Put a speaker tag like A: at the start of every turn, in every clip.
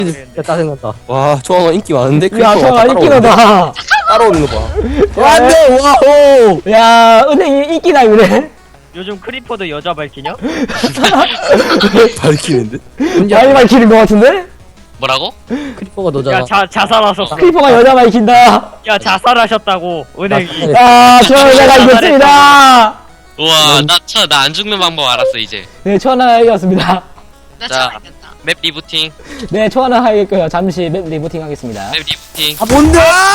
A: 진짜 짜증난다. 와, 초아가 인기 많은데?
B: 야, 저가 인기나다.
A: 따라오는 거 봐.
B: 야,
A: 안 돼! 와호!
B: 야, 은행이 인기나, 그래.
C: 요즘 크리퍼도 여자 밝히냐?
A: 밝히는데?
B: 많이 밝히는 것 같은데?
D: 뭐라고?
A: 크리퍼가 너잖아.
C: 야 자살하셨어.
B: 크리퍼가 여자 밝힌다.
C: 야 자살하셨다고 은행이.
B: 야, 저 여자가 이겼습니다.
D: 우와 나 안 죽는 방법 알았어 이제.
B: 네, 초하나 이겼습니다.
E: 나
D: 자.
E: 잘하겠다.
D: 맵 리부팅.
B: 네, 초하나 하겠고요. 잠시 맵 리부팅 하겠습니다.
D: 맵 리부팅.
A: 아, 뭔데?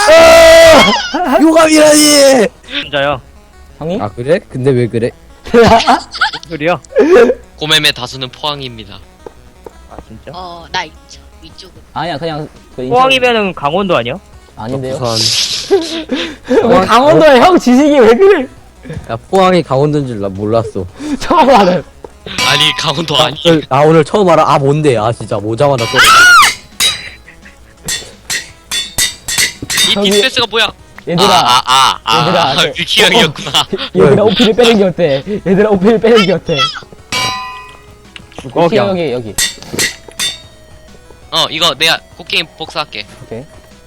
A: 요감이라니!
C: 진짜요?
B: 형님?
A: 아, 그래? 근데 왜 그래?
C: 소리요?
D: 고매매 다수는 포항입니다.
C: 아 진짜?
E: 나 위쪽으로.
B: 아니야, 그냥 그 인천-
C: 포항이면은 강원도 아니야?
B: 아닌데요.
A: 부산.
B: 왜 강원도에 형 지식이 왜 그래?
A: 야, 포항이 강원도인 줄 나 몰랐어.
B: 처음 알아요.
D: 아니 강원도 아니.
A: 나 오늘 처음 알아. 아, 뭔데? 아, 진짜. 모자마자 또.
D: 이
B: 저기-
D: 디스패스가 뭐야?
B: 얘들아, 얘들아, 저-
D: 뷰키 형이었구나.
B: 얘들아 오피를 빼는 게 어때? 얘들아 오피를 빼는 게 어때?
C: 죽어
B: 오케이,
C: 그냥.
B: 여기.
D: 이거 내가 곡괭이 복사할게.
B: 오케이.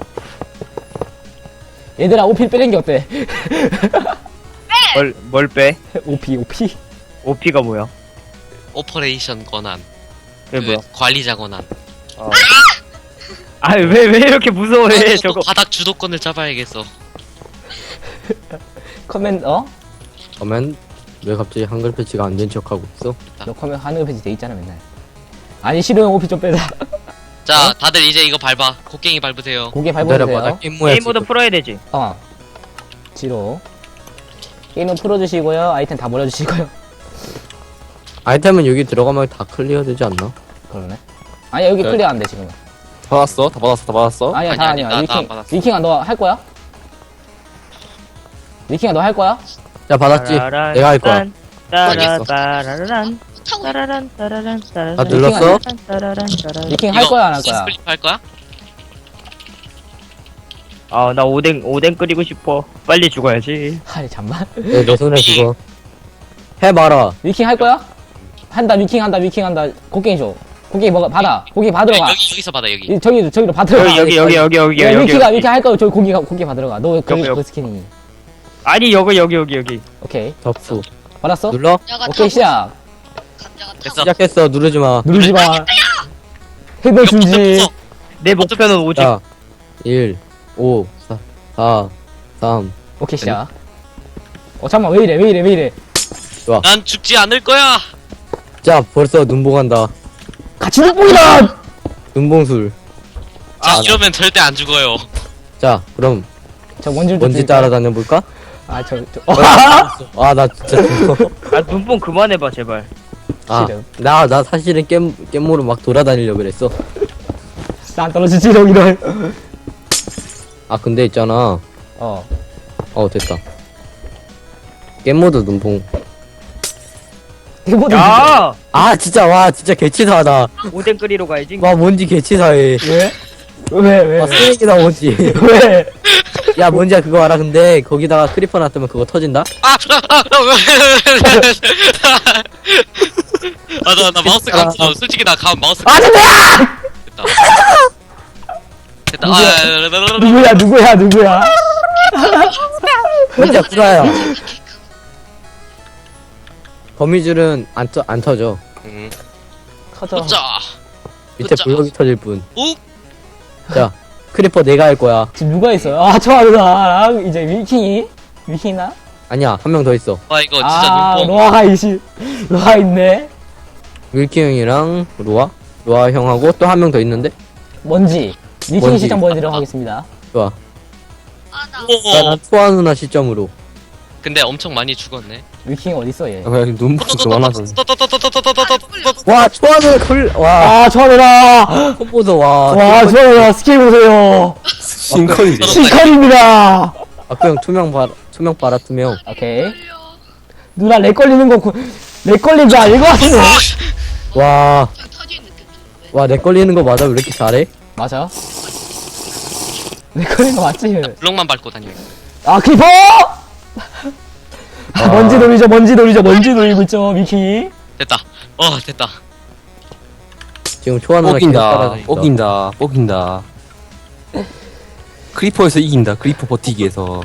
B: 얘들아 오피를 빼는 게 어때?
C: 뭘 빼?
B: 오피.
C: OP가 뭐야?
D: 오퍼레이션 권한.
C: 그게 뭐야?
D: 관리자 권한.
C: 아왜 이렇게 무서워해
D: 또
C: 저거.
D: 바닥 주도권을 잡아야겠어.
B: 커맨
A: 그러면 왜 갑자기 한글 패치가 안 된 척하고 있어?
B: 너 커맨 하늘 페이지 돼 있잖아 맨날. 아니 싫으면 오피 좀 빼자.
D: 자 다들 이제 이거 밟아. 곡괭이 밟으세요.
B: 고개
A: 기다려봐. 나
B: 밟아주세요.
A: 게임 모야
C: 게임 모드 풀어야 되지.
B: 지로. 게임은 풀어주시고요. 아이템 다 버려주시고요.
A: 아이템은 여기 들어가면 다 클리어 되지 않나?
B: 그러네. 아니 여기
A: 네.
B: 클리어 안 돼 지금.
A: 받았어? 다 받았어?
B: 아니야 다
D: 아니,
B: 아니야.
D: 나
B: 위킹
D: 받았어.
B: 위킹아 너 할 거야? 위킹아 너 할 거야?
A: 야, 받았지? 내가 할 거야.
C: 따라따라란
E: 타고
C: 따라란 따라란 따라란
A: 아, 눌렀어?
C: 따라란
B: 위킹 할 거야 안 할 거야?
D: 스플릿 할 거야?
C: 아나 오뎅 끓이고 싶어. 빨리 죽어야지.
B: 아니 잠만.
A: 내 손에 그거. 해봐라.
B: 위킹 할 거야? 한다 위킹 한다. 곡괭이 줘. 곡괭이 먹어 받아. 곡괭이 받으러 가.
D: 여기서 받아 여기.
B: 저기로 받으러 가.
C: 여기
B: 야, 위킹 할 거야. 저기 고기 받으러 가. 너
C: 여기.
B: 그 스킨이.
C: 아니 여기.
B: 오케이.
A: 접수.
B: 받았어?
A: 눌러?
E: 감자가
B: 오케이
E: 타고
B: 시작.
E: 감자가 타고.
D: 됐어.
A: 시작했어. 누르지 마.
B: 누르지 마. 해도 주지.
C: 내 목표는 오직
A: 자, 1, 5, 4, 3.
B: 오케이 시작. 잠깐만 왜 이래?
D: 난 죽지 않을 거야.
A: 자, 벌써 눈봉 한다.
B: 같이 눈뽕이다.
A: 눈봉술.
D: 자 이러면 절대 안 죽어요.
A: 자, 그럼
B: 저 먼지를
A: 먼지 따라다녀 볼까? 아, 나 진짜 죽어.
C: 아 눈뽕 그만해봐 제발.
A: 아,
B: 싫음.
A: 나 사실은 겜모로 막 돌아다니려고 그랬어.
B: 난 떨어지지 이런.
A: 아, 근데 있잖아. 됐다. 겜모드 눈봉.
B: 이거
C: 야
A: 아, 진짜, 와, 진짜 개치사하다.
C: 오뎅 끓이러 가야지.
A: 와, 뭔지 개치사해.
B: 왜?
A: 와, 쓰레기다, 뭔지.
B: 왜?
A: 야, 뭔지 그거 알아? 근데 거기다가 크리퍼 놨으면 그거 터진다?
D: 나 마우스 감았어. 솔직히 나 마우스
B: 아 진짜야!
D: 됐다. 됐다.
B: 누구야?
A: 진짜 구라야. 거미줄은 안 터져.
B: 커져.
D: 자,
A: 밑에
D: 자.
A: 블럭이 터질 뿐.
D: 오,
A: 자, 크리퍼 내가 할 거야.
B: 지금 누가 있어요? 저 누나랑 이제 위킹이나?
A: 아니야, 한 명 더 있어.
D: 와 이거 진짜 눈뽕.
B: 로아 있네.
A: 윌키 형이랑 로아 형하고 또 한 명 더 있는데?
B: 먼지. 위킹
A: 먼지.
B: 시점 보여드리도록 하겠습니다.
A: 좋아.
E: 아나
A: 자, 난 투아 누나 시점으로.
D: 근데 엄청 많이 죽었네.
B: 위킹 어딨어 얘?
A: 그냥 눈부터 그만하서.
D: 와.
A: 와, 투아 누나 와,
B: 저 누나!
A: 콤보도 와.
B: 저 누나 스킬 보세요.
A: 싱컨이지.
B: 시컬입니다.
A: 아까 형 투명 봐라, 투명.
B: 오케이. 누나 렉 걸리는 거 렉 걸린 거 아닌 것 같은데?
A: 와,
E: 저기 터지는 느낌 좀.
A: 와, 내 걸리는 거 맞아? 왜 이렇게 잘해?
B: 맞아. 렉 걸린 거 맞지?
D: 블럭만 밟고 다녀.
B: 아 크리퍼! 먼지 놀이죠. 먼지 놀이고 있죠 위킹이.
D: 됐다. 됐다.
A: 지금 초아 누나 계속
F: 뽀긴다.
A: 따라다닌다.
F: 뽀긴다. 뽀긴다. 크리퍼에서 이긴다. 크리퍼 버티기에서.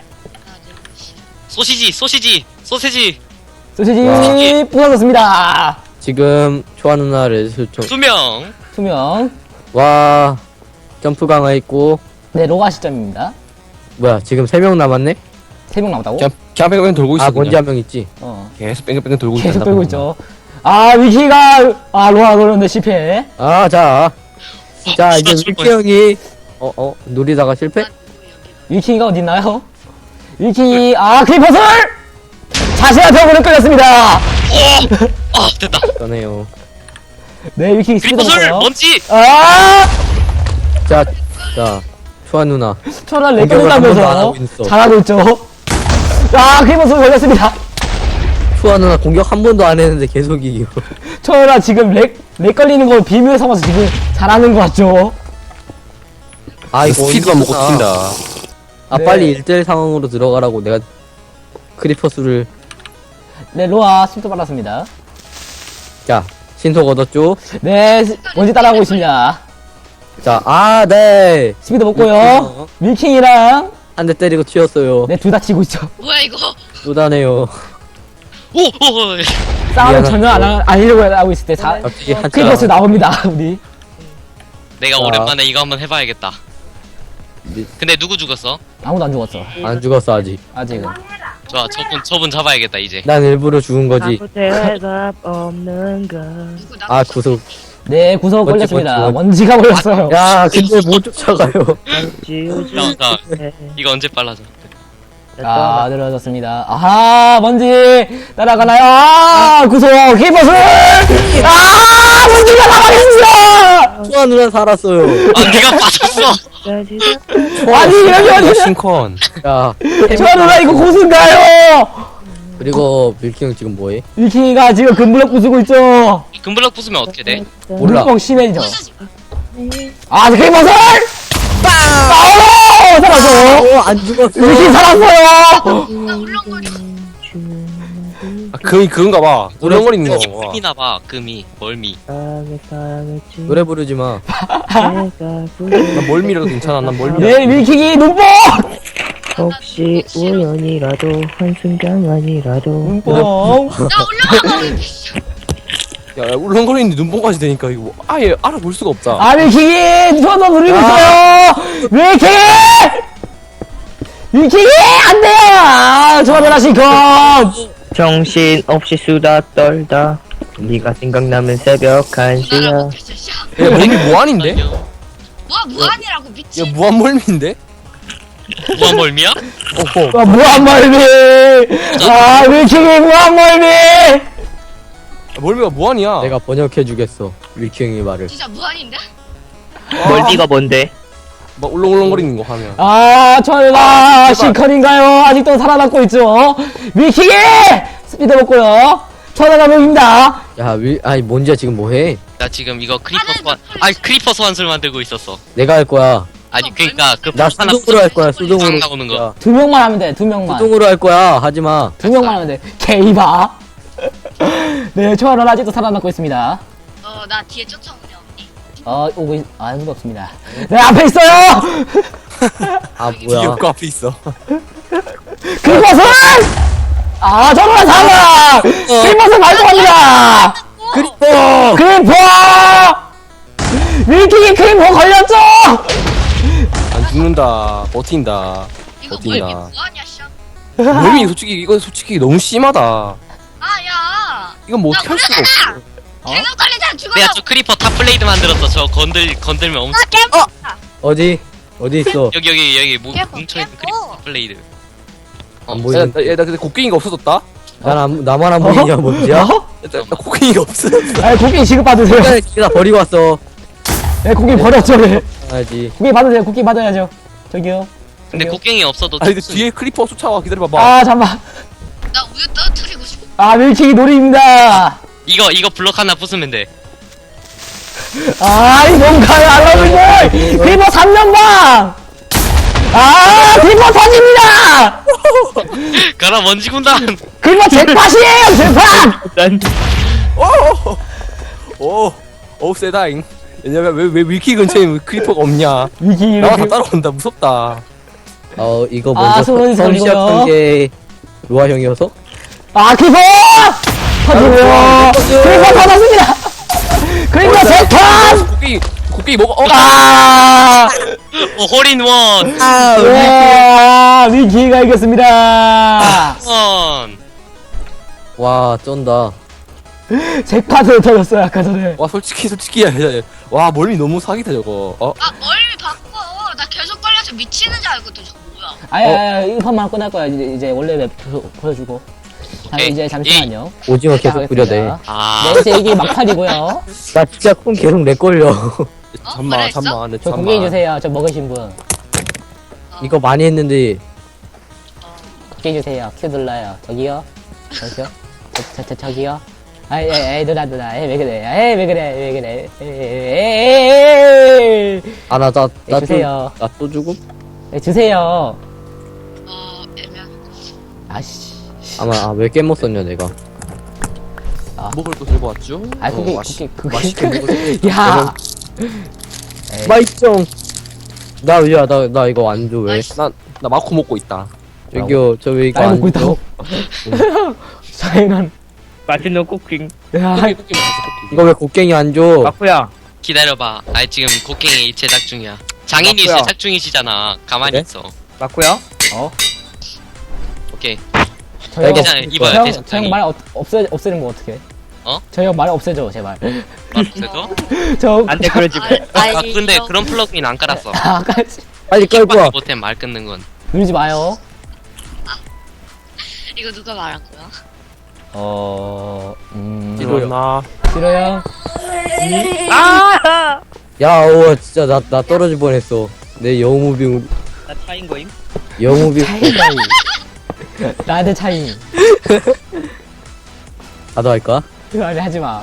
D: 소시지 소시지 소세지
B: 소시지 부서졌습니다.
A: 지금 초아 누나 레드스톤.
D: 투명.
B: 투명.
A: 와 점프 강화했고.
B: 네, 로가 시점입니다.
A: 뭐야 지금 3명 남았네?
B: 3명 남았다고?
F: 그냥 뺑뺑뺑 돌고 있어.
A: 아 뭔지
F: 그냥.
A: 한 명 있지.
F: 계속 뺑뺑뺑 돌고 있다.
B: 계속 돌고 있죠. 아, 위키가, 로아 그런데 실패.
A: 자 이제
D: 죽을
A: 밀키 형이 노리다가 실패?
B: 위키가 어딨나요? 위키, 크리퍼슬! 자신의 벽으로 끌렸습니다.
D: 아 됐다.
A: 그러네요.
B: 네, 위키 스피드
D: 크리퍼슬
B: 먹고요.
D: 먼지.
A: 자 초아 누나.
B: 초라 렉
A: 공격을 한 번도 안
B: 걸린다면서
A: 하고 있어.
B: 잘하고 있죠. 크리퍼슬 걸렸습니다.
A: 초아 누나 공격 한 번도 안 했는데 계속 이기고.
B: 초라 지금 렉 걸리는 걸 비밀 삼아서 지금 잘하는 것 같죠?
A: 이거
F: 스피드만 먹고
A: 어디구나.
F: 튄다.
B: 네.
A: 빨리 1대1 상황으로 들어가라고 내가 크리퍼 수를.
B: 네, 로아 스피드 받았습니다.
A: 자 신속 얻었죠.
B: 네, 먼지 따라오고 있습니다.
A: 자 네.
B: 스피드 먹고요. 밀킹이랑,
A: 한 대 때리고 튀었어요.
B: 네, 둘 다 치고 있죠.
E: 뭐야 이거?
A: 쏘다네요.
D: 오.
B: 싸움을
A: 미안하죠.
B: 전혀 안 하려고 하고 있을 때
A: 갑자기 한자.
B: 크리퍼스 나옵니다, 우리.
D: 내가
A: 자.
D: 오랜만에 이거 한번 해봐야겠다. 근데 누구 죽었어?
B: 아무도 안 죽었어.
A: 안 죽었어 아직.
B: 아직은.
D: 좋아 저분 잡아야겠다 이제.
A: 난 일부러 죽은 거지.
C: 대답 없는 것.
E: 누구 나?
A: 구속.
B: 네, 구석
A: 먼지,
B: 걸렸습니다.
A: 먼지.
B: 먼지가 걸렸어요.
A: 야 근데 못 쫓아가요.
D: 자 이거 언제 빨라져?
B: 늘어졌습니다. 먼지 따라가나요? 구석 크리퍼스! 먼지가 나가겠습니다!
A: 초아 누나 살았어요.
D: 네가 빠졌어.
B: 아니, 이러면 어디냐?
F: 싱컨.
A: 야
B: 저 누나 이거 고수인가요?
A: 그리고 밀키 형 지금 뭐해?
B: 위킹이가 지금 금블럭 부수고 있죠?
D: 금블럭 부수면 어떻게 돼?
A: 몰라.
B: 물뻥 심해져. 크리퍼스! 살았어!
A: 안 죽었어.
B: 위킹 살았어요!
E: 나 울렁거려.
F: 금이 그건가 봐. 우렁거리는
D: 이게
F: 거.
D: 금이나 봐 금이 멀미.
A: 노래 부르지 마.
F: 난 멀미라도 괜찮아. 난 멀미.
B: 네, 위킹이 눈뽕!
C: 혹시 우연이라도 한순간만이라도
B: 눈뽕!
E: 나 울렁거려.
F: 야, 울렁거리는데 눈뽕까지 되니까 이거 아예 알아볼 수가 없다.
B: 위킹이 손도 누르고 있어요! 위킹이! 위킹이! 안 돼요! 좋아하는 시컷!
C: 정신 없이 수다 떨다 네가 생각나면 새벽 1시야
E: 나라고 됐어.
F: 야, 멀미 무한인데?
E: 뭐야 무한이라고
F: 야,
E: 미친.
F: 무한 멀미인데?
D: 무한 멀미야?
F: 오호.
B: 무한멀미! 위킹이 무한멀미!
F: 멀미가 무한이야.
A: 내가 번역해 주겠어. 밀키 형의 말을.
E: 진짜 무한인데?
C: 멀미가 뭔데?
F: 막 울렁울렁거리는 거 하면.
B: 저희가 시컨인가요? 아직도 살아남고 있죠? 위킹이! 스피드 먹고요. 천하가 mov입니다.
A: 아니 뭔지야 지금 뭐해?
D: 나 지금 이거 크리퍼 소환술 만들고 있었어.
A: 내가 할 거야.
D: 아니 그니까 그
A: 나
D: 하나
A: 수동으로 할 거야. 수동으로.
D: 나오는 거.
A: 야,
B: 2명만 하면 돼, 2명만.
A: 수동으로 할 거야. 하지 마.
B: 2명만 하면 돼. 게이바. 네, 초아는 아직도 살아남고 있습니다.
E: 나 뒤에 쫓아오냐 언니?
B: 아무도 없습니다. 네, 앞에 있어요!
A: 뭐야?
F: 귀엽고 앞에 있어.
B: 그것은! 저는 살아! 그것은 발동합니다!
A: 크리퍼!
B: 크리퍼! 위킹이 크리퍼 걸렸죠!
F: 안 죽는다. 버틴다.
E: 이거
F: 어디나.
E: 뭘 무한이야 씨.
F: 멀미 솔직히 너무 심하다.
E: 야.
F: 이건 뭐 어떻게 할 수가 없어.
E: 계속 걸리잖아 죽어요.
D: 내가 저 크리퍼 탑블레이드 만들었어. 저 건들면 엄청
A: 어디 있어?
D: 여기
E: 깨고,
D: 뭉쳐있는
E: 깨고.
D: 크리퍼 탑블레이드.
A: 안
F: 야,
A: 보이는데.
F: 나 근데 곡괭이가 없어졌다?
A: 나만 안 보이냐 뭔지야?
F: 야, 나 곡괭이가 없어졌어.
B: 고기 지급받으세요.
A: 나 버리고 왔어.
B: 네, 고기 버렸죠, 네.
A: 해야지.
B: 고기 받으세요, 고기 받아야죠. 저기요.
D: 근데 곡괭이 없어도
F: 아니 근데 뒤에 크리퍼 쫓아와. 기다려봐봐.
B: 잠깐만.
E: 나 우유 떨어뜨리고 싶어.
B: 밀킹이 놀이입니다.
D: 이거 블럭 하나 부수면 돼.
B: 이 뭔가요, 알라분들! 크리퍼 3년방! 크리퍼 터집니다!
D: 가라 먼지 군단.
B: 크리퍼 잭팟이에요, 잭팟!
C: 난
F: 오. 어우 세다잉. 왜냐면 왜 위키 근처에 크리퍼가 없냐?
B: 위키
F: 나와 다 따라온다. 무섭다.
A: 이거
B: 아,
A: 먼저
B: 소문이
A: 처음
B: 걸리고요.
A: 시작한 게 로아 형이어서?
B: 아 크리퍼 터지고요. 크리퍼 터졌습니다. 크리퍼 세턴.
F: 곡괭이 먹어.
B: 아
D: 홀인원.
B: 와 위키가 이겼습니다.
D: 원.
A: 와 쩐다.
B: 제 카드 터졌어요 아까 전에.
F: 와 솔직히 와 멀미 너무 사기다 저거.
E: 아 멀미 바꿔. 나 계속 걸려서 미치는 줄 알거든. 저거 뭐야?
B: 아야 1판만 끝날 거야. 이제 원래 맵 보여주고. 자,
D: 오케이.
B: 이제 잠시만요.
A: 오징어 계속
B: 시작하겠습니다.
A: 뿌려대.
D: 아.
B: 네, 이제 이게 막판이고요.
A: 나 진짜 콩 계속 렉 걸려.
F: 잠만
E: 그랬어?
F: 잠만.
B: 저 고개인 주세요. 저 먹으신 분.
A: 이거 많이 했는데
B: 고개인 주세요. 큐 눌러요. 저기요. 저기요. 저기요. 에이 누나 에이 왜 그래. 에이 왜 그래. 에이 주세요.
A: 나 또 주고?
B: 네, 주세요.
E: 애매한.
B: 아씨.
A: 왜 깨못 썼냐 내가.
F: 먹을 거 들고 왔죠?
B: 아 그게
F: 맛있게 먹을
B: 야.
A: 마이정. 나 이거 안 줘 왜?
F: 나 마코 먹고 있다.
A: 저기요 저 왜 이거
B: 날
A: 안
B: 먹고
A: 줘?
B: 있다고. 사인한.
C: 맛있는 쿠킹.
B: 야.
A: 이거 왜 곡괭이 안 줘?
C: 마쿠야.
D: 기다려봐. 아 지금 곡괭이 제작 중이야. 장인이
C: 맞고요.
D: 제작 중이시잖아. 가만히
A: 그래?
D: 있어.
C: 마쿠야.
D: 오케이.
B: 저형
D: 괜찮아요. 이봐요,
B: 형
D: 대장장이.
B: 말 없애는 거 어떻게?
D: 어?
B: 저형 말 없애줘 제발.
D: 그래도?
B: 저
C: 안돼 그러지 마.
D: 아 근데 그런 플러그인 안 깔았어.
B: 아까지
A: 빨리 끌고
D: 킥밖에
A: 와.
D: 못해 말 끊는 건.
B: 누르지 마요.
E: 이거 누가 말한 거야?
F: 일어나.
B: 싫어요.
C: 아!
A: 진짜 나 떨어질 뻔했어. 내 영무빙
C: 나 차인 거임?
B: 차이. 나한테 차이.
A: 나도 할까?
B: 아니 하지 마.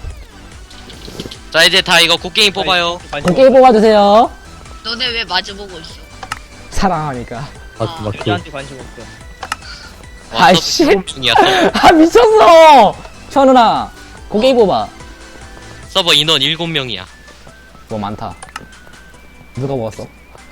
D: 자 이제 다 이거 곡괭이 뽑아요.
B: 고개 뽑아주세요.
E: 너네 왜 마주보고 있어?
B: 사랑하니까.
A: 마크.
C: 여자한테 관심 없어.
D: 와,
B: 아이씨.
D: 서버 중이야.
B: 아 미쳤어. 초 누나 고개 뽑아.
D: 서버 인원 7명이야.
B: 뭐 많다. 누가 먹었어?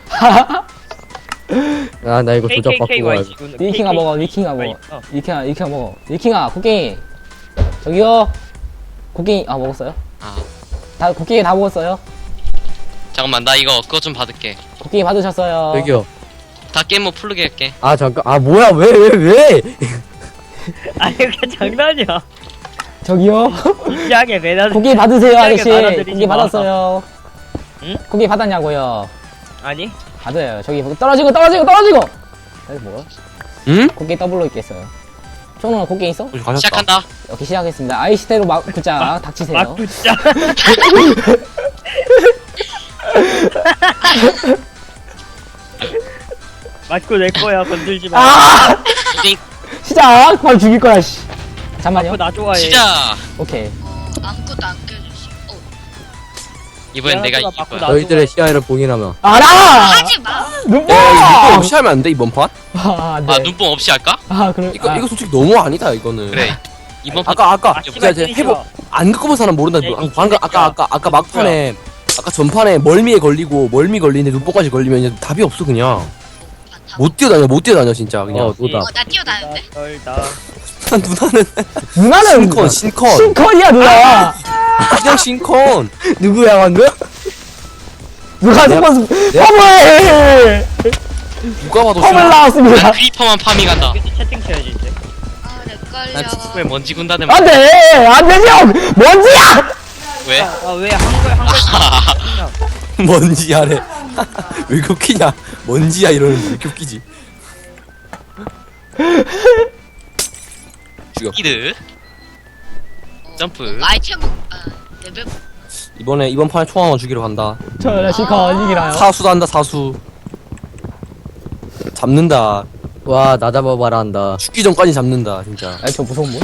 A: 나 이거 조작
C: KKK
A: 바꾸고 와야
C: 와이시군.
B: 위킹아 먹어. 위킹아 먹어. 위킹아 먹어. 위킹아 고갱이. 저기요. 고갱이 먹었어요?
D: 아
B: 다 고갱이 다 먹었어요?
D: 잠깐만 나 이거 그거 좀 받을게.
B: 고갱이 받으셨어요.
A: 저기요.
D: 다 게임 뭐 풀르게 할게.
A: 잠깐. 뭐야 왜?
C: 아니 그게 장난이야.
B: 저기요.
C: 진지하게 매달.
B: 고기 받으세요, 아저씨.
C: 진지하게 받아들이지
B: 고기
C: 마.
B: 받았어요.
C: 응?
B: 고기 받았냐고요.
C: 아니?
B: 받아요. 저기 떨어지고. 아니 뭐야?
F: 응?
B: 고기 더블로 있겠어요. 총누나 고기 있어?
F: 가셨다.
D: 시작한다.
B: 오케이 시작하겠습니다. 아이시테로 굿자 닥치세요.
C: 막 진짜. 맞고 내 거야 건들지 마.
B: 아!
D: 곡괭이
B: 시작! 바로 죽일 거야, 씨. 잠만요.
C: 나 좋아해.
D: 시작.
B: 오케이.
E: 아무것도 안 껴주시.
D: 이번엔 내가
C: 맞고
D: 이길
C: 나
D: 거야.
A: 너희들의 시야를 봉인하면.
B: 알아!
E: 하지 마.
B: 눈뽕!
F: 이거 없이 하면 안 돼 이번 판?
B: 아, 네.
D: 아 눈뽕 없이 할까?
B: 그래.
F: 이거 솔직히 너무 아니다 이거는.
D: 그래. 이번 판
F: 아까
C: 씨발,
F: 제가
C: 때리지
F: 해보
C: 마.
F: 안 겪어본 사람 모른다.
C: 야, 이
F: 방금 아까 막판에 아까 전판에 멀미에 걸리고 멀미 걸리는데 눈뽕까지 걸리면 이제 답이 없어 그냥. 못 뛰어다녀 진짜 그냥.
A: 노다.
E: 나 뛰어다녔는데?
C: 널다.
F: 누나는
B: 누나는
F: 신컨
B: 신컨이야, 누나!
F: 그냥 신컨.
A: 누구야 방금?
B: 누가 스폰스, 펌을!
F: 누가 봐도
B: 펌을
F: 신컨.
B: 나왔습니다.
D: 난 크리퍼만 파밍한다.
C: 여기서 채팅 쳐야지 이제.
E: 내
D: 난
E: 걸려.
D: 지구에 먼지 군다는
B: 안 돼! 안 되죠! 뭔지야!
D: 왜?
C: 아왜 한글
F: 먼지야래. 왜 이렇게 웃기냐? 먼지야 이러는 왜 이렇게 웃기지? 죽여.
D: 스피드. 점프.
E: 아이템 레벨
F: 이번 판에 총 하나 죽이러 간다.
B: 저 실컷 이기나요?
F: 사수도 한다 사수. 잡는다.
A: 와 나 잡아봐라 한다.
F: 죽기 전까지 잡는다 진짜.
B: 아니, 저 무서운 분?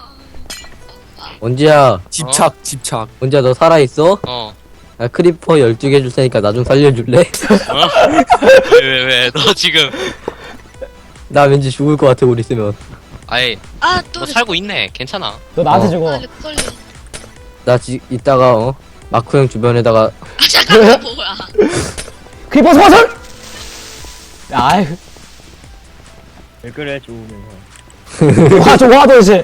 A: 언제야?
F: 집착.
A: 언제야 너 살아있어?
D: 어.
A: 나 크리퍼 12개 줄 테니까 나 좀 살려줄래?
D: 어? 왜? 너 지금
A: 나 왠지 죽을 것 같아 우리 있으면.
D: 아예
E: 또
D: 너 살고 있네. 괜찮아.
B: 너 나한테
A: 어.
B: 주고.
E: 렉 걸려.
A: 나 이따가 마크 형 주변에다가
E: 아 잠깐만 뭐야?
B: 크리퍼 소설! 아이,
C: 왜 그래 좋으면서.
B: 와, 도대체.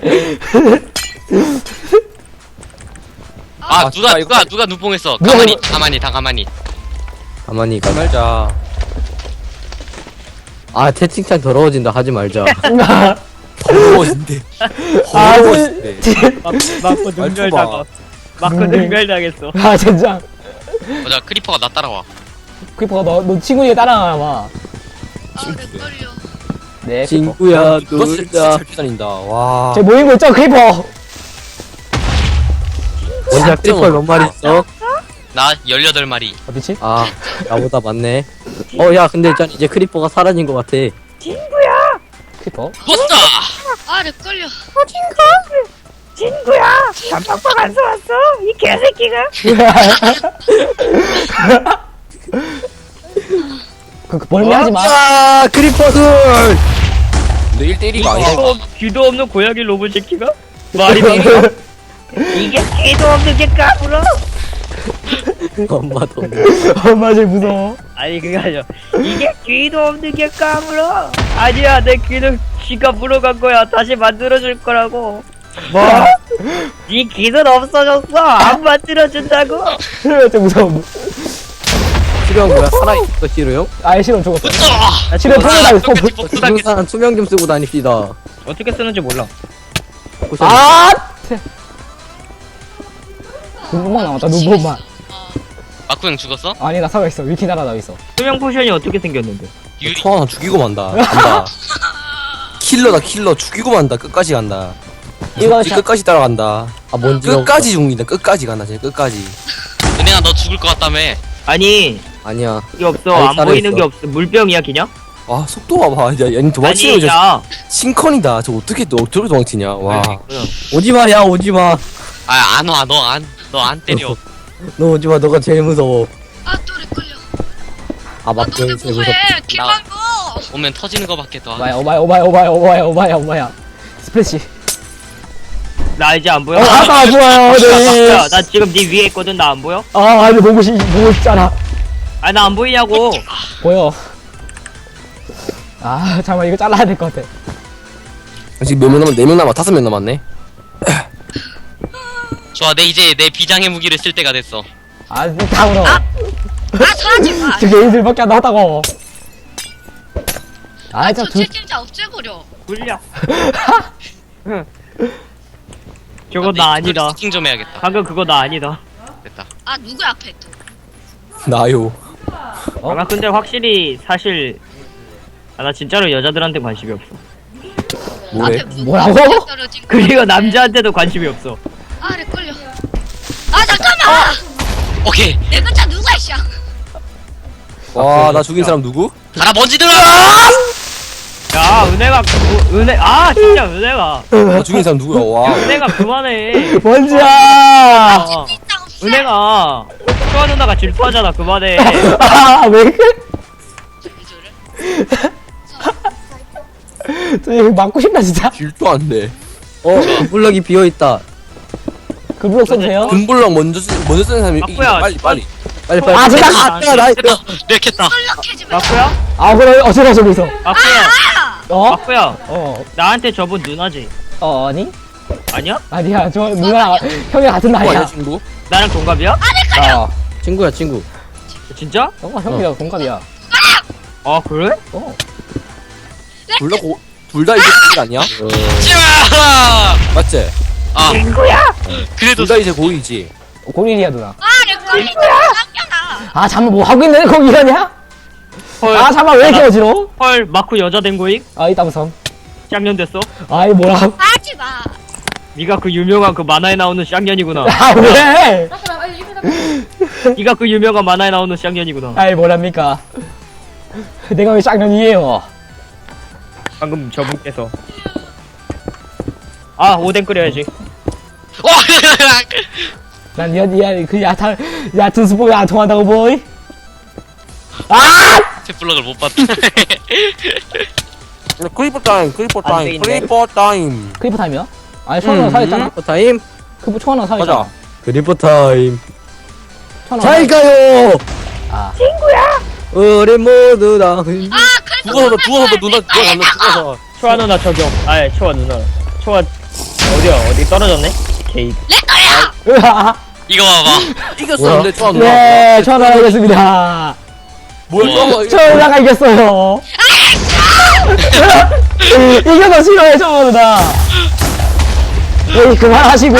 D: 아 누가
F: 진짜 이거-
D: 누가 눈뽕했어.
B: 누가
D: 가만히
B: 이거-
D: 가만히 다 가만히.
A: 가만히 가.
F: 말자.
A: 아 채팅창 더러워진다 하지 말자.
F: 더러워진대.
B: 아,
F: 더러워진대.
C: 마코
F: 능멸 당하-
C: 마코 능멸당했어.
B: 아, 진짜.
D: 보자 크리퍼가 나 따라와.
B: 크리퍼가 너 친구에게 따라가나 봐.
E: 아 렉걸려.
B: 네, 크리퍼.
A: 친구야
F: 너 진짜
A: 놀자.
F: 잘 피다닌다. 와.
B: 쟤 모이고 있죠, 크리퍼?
A: 원자 크리퍼 몇 마리 있어?
D: 나 18마리.
B: 어디지?
A: 아 나보다 많네. 야 근데 일단 이제 크리퍼가 사라진 것 같아.
B: 크리퍼?
D: 버스다.
E: 아 렉걸려.
C: 친구야, 단팥빵 안 사왔어? 이 개새끼가.
B: 멀미하지 마.
A: 아 크리퍼들.
F: 근데 1대1이가 아니야.
C: 귀도 없는 고양이 로봇 새끼가? 말이 돼. 이게 귀도 없는 게 까불어?
A: 엄마도.
B: 엄마 제일 무서워.
C: 아니 그게 아니야. 이게 귀도 없는 게 까불어? 아니야, 내 귀는 쥐가 물어간 거야. 다시 만들어줄 거라고. 뭐? 네 귀는 없어졌어. 안 만들어준다고?
B: 진짜 무서워.
A: 치료형 뭐야 살아있어 치료형?
B: 아예 싫어 죽었어.
D: 붙어.
B: 치료 통을 다 있어.
D: 똑같이 복수 당했어.
A: 죽은 사람 투명 좀 쓰고 다닙시다.
C: 어떻게 쓰는지 몰라.
B: 아! 눈뽕만 남았다, 눈뽕만.
D: 마쿠 형 죽었어?
B: 아니, 나 살아있어. 위키 날아다니고 있어.
C: 투명 포션이 어떻게 생겼는데?
D: 유리.
F: 초 하나 죽이고 만다. 간다. 킬러다 킬러 죽이고 만다. 끝까지 간다.
B: 이거
F: 이 끝까지 따라간다.
A: 아 뭔지
F: 끝까지 죽는다. 끝까지 간다. 진짜 끝까지.
D: 은혜야 너 죽을 것 같다며.
C: 아니
A: 아니야.
C: 이게 없어.
A: 아니,
C: 안 보이는
A: 살아있어.
C: 게 없어. 물병이야 그냥?
F: 와 속도 봐봐. 야, 얘는 도망치는
C: 아니
F: 거
C: 야.
F: 싱컨이다. 저 어떻게 도망치냐. 와.
A: 오지마 야 오지마.
D: 아 안 와. 너 안 때려.
A: 너 오지마 너가 제일 무서워.
E: 아 또 렉걸려.
A: 아
E: 아
A: 마크
E: 너네
A: 형이 제일
E: 뭐해?
A: 무섭다.
E: 김만고.
D: 오면 터지는 거밖에 더.
B: 오마야. 스플래시.
C: 나 이제 안 보여?
B: 아, 나 안 보여요, 네.
C: 야, 나 지금 네 위에 있거든. 나 안 보여?
B: 아, 아니, 보고 싶잖아.
C: 아, 나 안 보이냐고.
B: 보여. 아, 잠깐만, 이거 잘라야 될 것 같아.
F: 지금 몇 명 남았? 4명 남았. 5명 남았네.
D: 좋아 내 이제 내 비장의 무기를 쓸 때가 됐어.
B: 아, 다물어.
E: 아 사지 마.
B: 저 게임들밖에 안 나왔다고. 아,
E: 저
B: 진짜
E: 채팅자 없애버려.
C: 굴려. 저거 나 아니다.
D: 세팅 좀 해야겠다.
C: 방금 그거 나 아니다.
D: 됐다.
E: 아 누구 앞에 또.
F: 나요.
B: 어?
C: 아, 근데 확실히 사실 나 진짜로 여자들한테 관심이 없어.
F: 뭐래?
E: 앞에 누구
B: 뭐라고?
E: 떨어진 거.
C: 그리고 남자한테도 관심이 없어.
E: 아 렉걸려. 아 잠깐만.
D: 오케이.
E: 내 글자 누가 있어?
F: 와, 나 죽인 사람 누구?
D: 가라 먼지들아.
C: 야, 은혜가 진짜 은혜가.
F: 나 죽인 사람 누구야? 와.
C: 은혜가 그만해.
B: 뭔지야.
C: 어,
E: 채팅창 없애.
C: 은혜가 수아 누나가 질투하잖아. 그만해.
B: 아, 왜 그래? 저 이거 맞고 싶다, 진짜.
F: 질도 안 돼.
A: 블럭이 비어 있다.
B: 그 블록 써도 돼요?
F: 금블럭 먼저 쓰는 사람이
C: 바꾸야.
F: 빨리.
A: 빨리.
B: 아, 진짜.
A: 나
D: 됐다. 렉했다.
E: 썰렁해지 마.
C: 마쿠야?
B: 아, 그래, 어쩌다 저기 있어.
C: 마쿠야.
B: 어?
C: 마쿠야.
B: 어,
C: 나한테 저분 누나지?
B: 아니?
C: 아니야?
B: 아니야, 저 누나, 형이랑 같은
F: 아니야
B: 나이야.
F: 친구?
C: 나랑 동갑이야?
B: 아,
A: 친구야 친구.
C: 진짜?
B: 형이랑 동갑이야.
C: 아, 그래?
B: 어.
F: 둘다 이제 고일 아니야?
D: 자.
F: 맞지?
D: 아. 그래도
F: 둘 다 이제 고일이지.
B: 고릴이야, 누나.
E: 아 렉걸리잖아. 쌍년아.
B: 아, 잠깐 뭐 하고 있는데, 거기 이러냐?
C: 헐.
B: 아, 잠깐 왜 이렇게 어지러워?
C: 헐, 마쿠 여자 된 거임?
B: 아, 이따 무섬.
C: 쌍년 됐어?
B: 아이, 뭐라.
E: 하지 마.
C: 네가 그 유명한 그 만화에 나오는 쌍년이구나.
B: 아, 왜?
C: 네가 그 유명한 만화에 나오는 쌍년이구나.
B: 아이, 뭐랍니까. 내가 왜 쌍년이에요?
C: 방금 저분께서. 아, 오뎅 끓여야지.
D: 와.
B: 난 그 얕은 수법이 안 통한다고, 보이? 아!
D: 탭블럭을 못 봤다.
F: 크리퍼 타임.
C: 안 돼, 있네.
F: 크리퍼 타임.
B: 크리퍼 타임이야? 아니, 초하나 살아있잖아.
A: 크리퍼 타임.
B: 그 초하나 살아있잖아.
F: 맞아.
A: 크리퍼 타임. 잘 가요.
B: 아,
A: 우리 모두 다.
F: 누워서 누가 갈라 죽어서.
C: 초아 누나 저격. 아예 초아 누나. 초아 어디야? 어디 떨어졌네? 게이.
B: 으아.
D: 이거 봐봐.
F: 이겼었는데 좋아 누나.
B: 네, 천하가 이겼습니다.
F: 뭐야?
B: 천하가 이겼어요. 이겨서 싫어해, 천하가. 에이, 그만하시고요.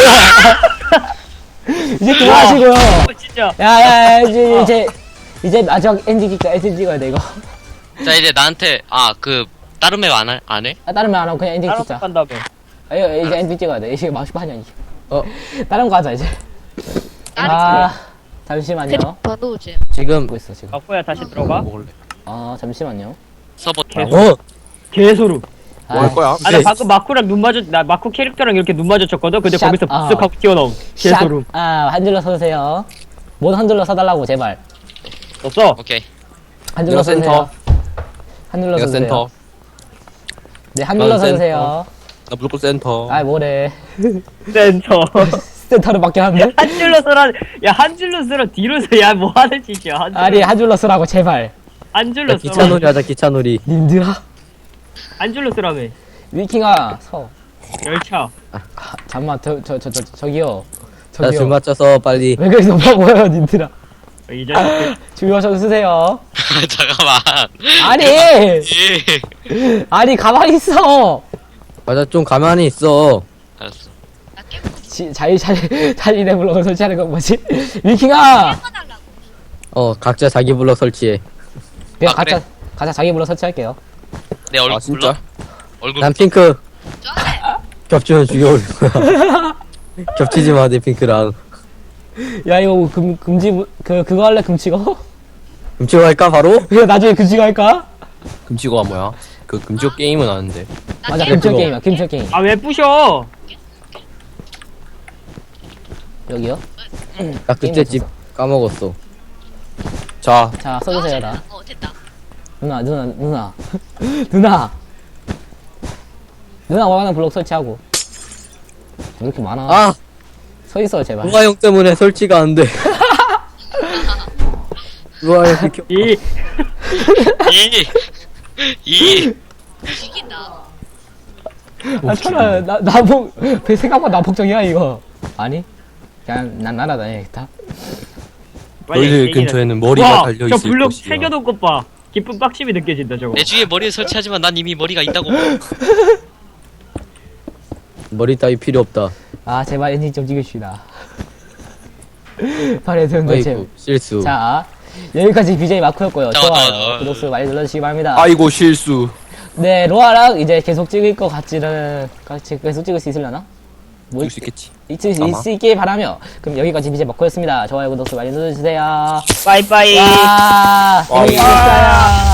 B: 이제 그만하시고요.
C: 진짜.
B: 야, 이제 마지막 엔딩 찍어야 돼, 이거.
D: 자, 이제 나한테, 다른 맵 안 해?
B: 아, 다른 말 안 하고 그냥 엔딩
C: 따로
B: 찍자.
C: 간다며.
B: 이제 엔딩 찍어야 돼. 이게 막십하냐, 이게.
A: 어.
B: 다른 거 하자, 이제. 아, 잠시만요.
E: 봐도 오지.
A: 지금
B: 보고 있어, 지금.
C: 바꾸야 다시 들어가.
F: 먹을래.
B: 아, 잠시만요.
D: 서버
C: 개소름.
F: 뭐 할 거야?
C: 아, 나 방금 마쿠랑 나 마쿠 캐릭터랑 이렇게 눈 마주쳤거든? 근데
B: 샷,
C: 거기서
B: 아.
C: 쓱 하고 튀어나옴. 개소름.
B: 한줄로 서주세요. 못 한줄로 서달라고, 제발.
C: 없어.
D: 오케이.
B: 한줄로
F: 내가
B: 서주세요.
F: 센터.
B: 한줄로
F: 내가
B: 서주세요.
F: 센터.
B: 네, 한줄로
F: 나는
B: 서주세요.
F: 나 무조건 센터.
B: 아이, 뭐래.
C: 센터.
B: 센터로 바뀌었는데?
C: 한 줄로 쓰라. 야, 한 줄로 쓰라. 뒤로 서. 야, 뭐 하는 짓이야. 한 줄로.
B: 아니, 한줄로 쓰라고, 제발.
C: 한 줄로
A: 기차
C: 쓰라.
A: 놀이 하자 기차 놀이.
B: 님들아.
C: 한 줄로 쓰라며.
B: 위킹아, 서.
C: 열차.
B: 잠만, 저기요.
A: 자 줄
B: 저기요.
A: 맞춰서 빨리.
B: 왜 그렇게 높아 보여요, 님들아.
C: 이 자식.
B: 주요 좀 쓰세요.
D: 잠깐만.
B: 아니!
D: 예.
B: 아니, 가만히 있어!
A: 맞아 좀 가만히 있어.
D: 알았어.
E: 나 깨고
B: 자기네 블록을 설치하는 건 뭐지? 위킹아!
E: 해달라고.
A: 각자 자기 블럭 설치해.
B: 그냥
D: 아, 그래.
B: 가자, 자기 블록 설치할게요.
D: 내 얼굴
F: 아 진짜?
D: 얼굴
A: 난 핑크.
E: 저한테
A: 겹치면 죽여버릴 거야. 겹치지 마, 내 핑크랑.
B: 야, 이거 그거 할래, 금치고?
A: 음치고 할까, 바로?
B: 그냥 나중에 금치고 할까?
F: 금지어가 뭐야? 그 금지어 게임은 아는데.
B: 맞아,
E: 깨고.
B: 금치고 게임이야, 금치고 게임.
C: 아, 왜 부셔?
B: 여기요?
A: 나 그때 집 까먹었어.
F: 자,
B: 자, 써주세요, 다.
E: 됐다.
B: 누나. 누나 원하는 블록 설치하고. 왜 이렇게 많아?
A: 아!
B: 서 있어, 제발.
A: 루아 형 때문에 설치가 안 돼. 루아 형 비켜.
C: 이.
D: 이
E: 죽인다.
B: 아, 천아, 나복, 생각보다 나복적이야, 이거. 아니? 그냥, 난 날아다녀야겠다.
F: 너희들 근처에는 머리가
C: 와,
F: 달려
C: 저
F: 있을
C: 블록
F: 것이야.
C: 새겨놓은 것 봐. 기쁜 빡심이 느껴진다, 저거.
D: 내 주위에 머리를 설치하지만 난 이미 머리가 있다고.
A: 머리 따위 필요 없다.
B: 아, 제발 엔진 좀 찍읍시다. 발에 드는 거지.
A: 어이구, 실수.
B: 자, 여기까지 BJ 마크였고요.
D: 잠깐만,
B: 좋아요. 구독, 많이 눌러주시기 바랍니다.
F: 아이고 실수.
B: 네, 로아랑 이제 계속 찍을 것 같지는, 같이 계속 찍을 수 있으려나? 뭐,
F: 줄 수 있겠지.
B: 있을 수 있길 바라며. 그럼 여기까지 BJ 마크였습니다. 좋아요, 구독, 많이 눌러주세요.
C: 빠이빠이.
B: 와,
F: 와이.
B: 재밌었어요.